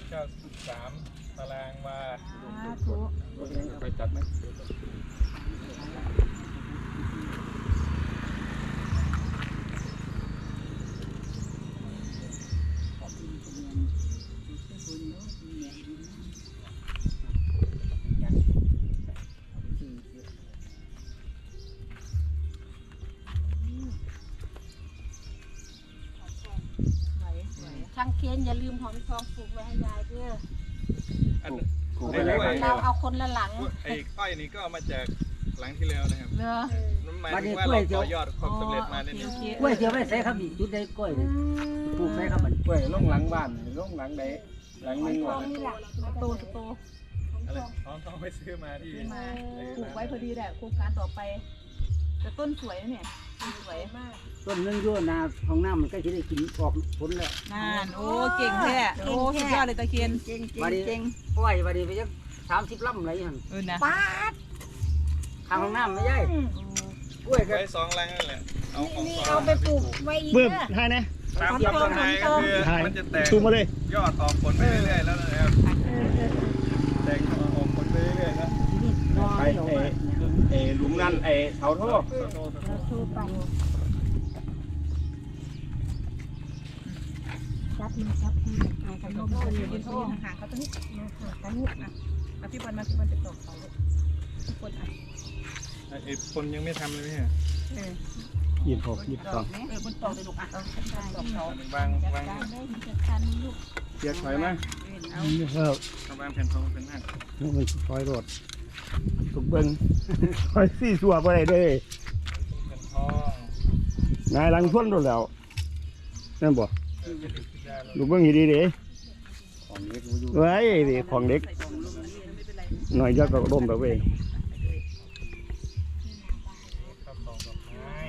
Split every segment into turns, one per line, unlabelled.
93 ตารางวา
ไปจัดไหม
ช่างเคียนอย่าลืมหอมทองปลูกไว้ให้ยายเด้อ
อัน
เราเอาคนละหลัง
ไอ้อ้อยนี่ก็มาจากหลังที่แล้วนะครับ
เนอะ
หมายถึงว่าเราต่อยอดความสำเร็จมาเนี่ย
กล้วยเสียไม่ใส่ครับอีกจุดใดกล้วยนี่ปลูกใส่ครับมัน
กล้วยล่องหลังบ้านล่องหลังไหนหลังนึงวะ
โตโต
อะไรท้องไปซื้อมาที่
มาปลูกไว้พอดีแหละโครงการต่อไปแต่ต้นสวยนะเนี่ยสวยมาก
ต้นนึงโยนาห้องน้ำมันก็จะได้กินออกผลแล้ว
นานโอ้เก่งแท้โอ้สุดยอดเลยตะเคียนเก่ง
วันนี้กล้วยวันนี้ไปยัง30 ลำอะไรอย่าง
นะ
ป้าด
ทางห้องน้ำไม่ใช่กล้วย
ไว้2 ลังนั่นแหละเอาของ
นี่
ซ
เอาไปปลูกไว้อีก
เบิ่ม
เด้อ
ให้นะ
ตามลำไม้ก็คือมันจะแตก
ชูมาเลย
ยอดออกผลไปเรื่อยๆแล้วนะครับแตกออกผลไปเรื่อยๆนะ
น้อ
ไป
ยหลง
หลุมนั่นเสาท่อ
ชูไปจับมือจับทีอ่ะกันลมกันอยู่
ยืน
ที่
โท
ห้อง
ห่างเขาตรงนี้
กันนี่อ่ะ
พี่บอลมาพี่บอลจะตกเขาทุกคนอ่ะ
ไอ้คนยังไม่ทำเลยไหมฮะ
22 22
บนตกเลยลูกอ่ะเอาขึ้นได้ตกเขา
วาง
จัดการได้จัดการลูก
เกียร์ถอยมา
นี่ครับ
วางแผ่นทองเป็นหน้า
มันซอยรถทุกเบิ่งซอยสี่สัวบ่ได้เด้
แผ่นทอง
นายหลังชวนโดนแล้วนั่นบ่ลูกเบิ่งให้ดีเด้
ของเล็กอยู่
ไว้ดิของเด็กหน่อยเดียวก็ร่มแล้วเว้ย
ครับดอกไม้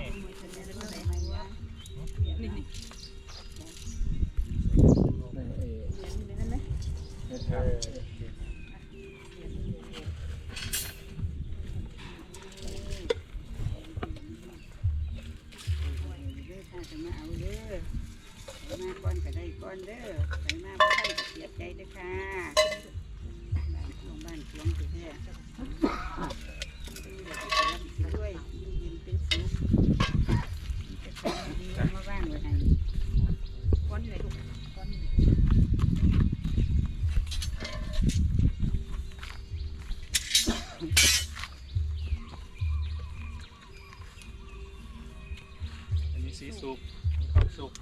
อันนี้สีสุกความสุก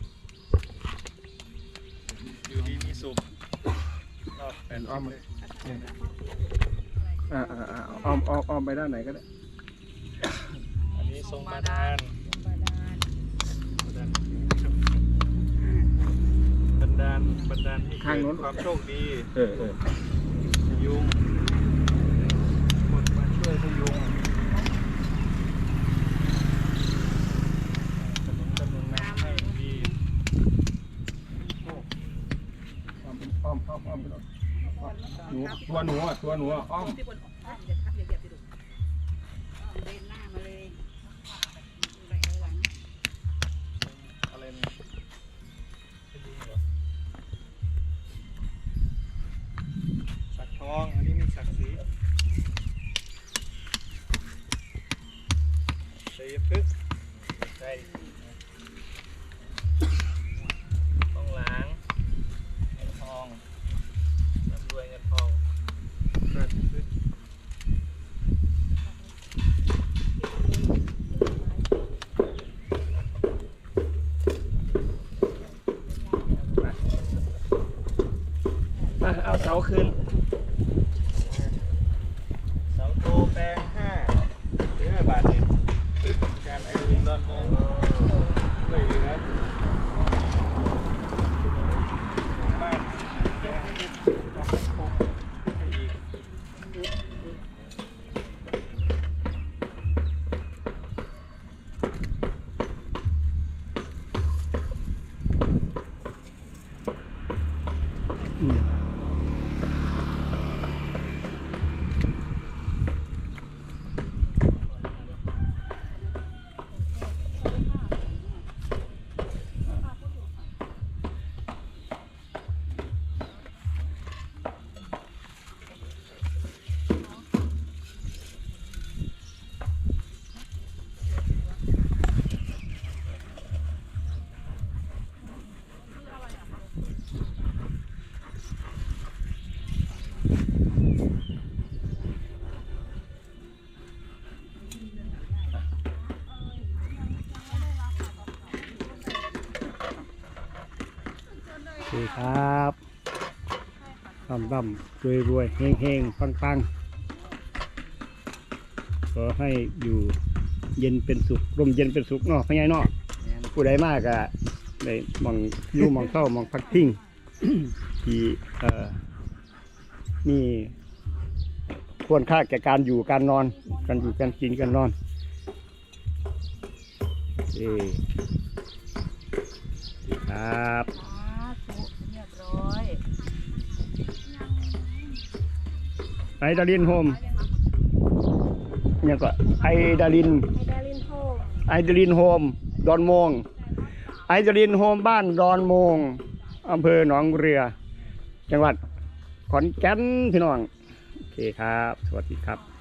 อยู่ดีมีสุกรอบแผ่นอ้อมเลย
อ้อมไปด้านไหนก็ได้
อันนี้ทรงบาดาลบันดาลให้เกิดความโชคดีพยุงคนมาช่วยพยุงกำลังน้ำให้ดี
อ้อมตัวหนูอ้อม
พี่บอลอย่าทับอย่าเหยียบไปดู
เดินหน้ามาเลย
อะไรเนี่ยพยุงเหรอสักทองอันนี้มีสักสีชัยพฤกษ์ใช่ต้องล้างเงินทองร่ำรวยเงินทองราชพฤกษ์
เอาเสาคืน
เสาโตแปลง5 บาทนี่การไอรินดอนมองเลยนะบ้านแปลงให้อีก
ครับร่ำรวยเฮงปังขอให้อยู่เย็นเป็นสุขร่มเย็นเป็นสุขเนาะพ่อใหญ่เนาะผู้ใดมากก็ได้มองอยู่มองเข้ามองพักพิง ที่นี่ควรค่าแก่การอยู่การนอนการอยู่การกินการนอนครับ
เรียบร้อย
ไอดาลินโฮมเนี่ยก็ไอดาลิน
ไฮดาลินโฮม
ไอดาลินโฮมดอนโมงไอดาลินโฮมบ้านดอนโมงอำเภอหนองเรือ จังหวัดขอนแก่นพี่น้องโอเคครับสวัสดีครับ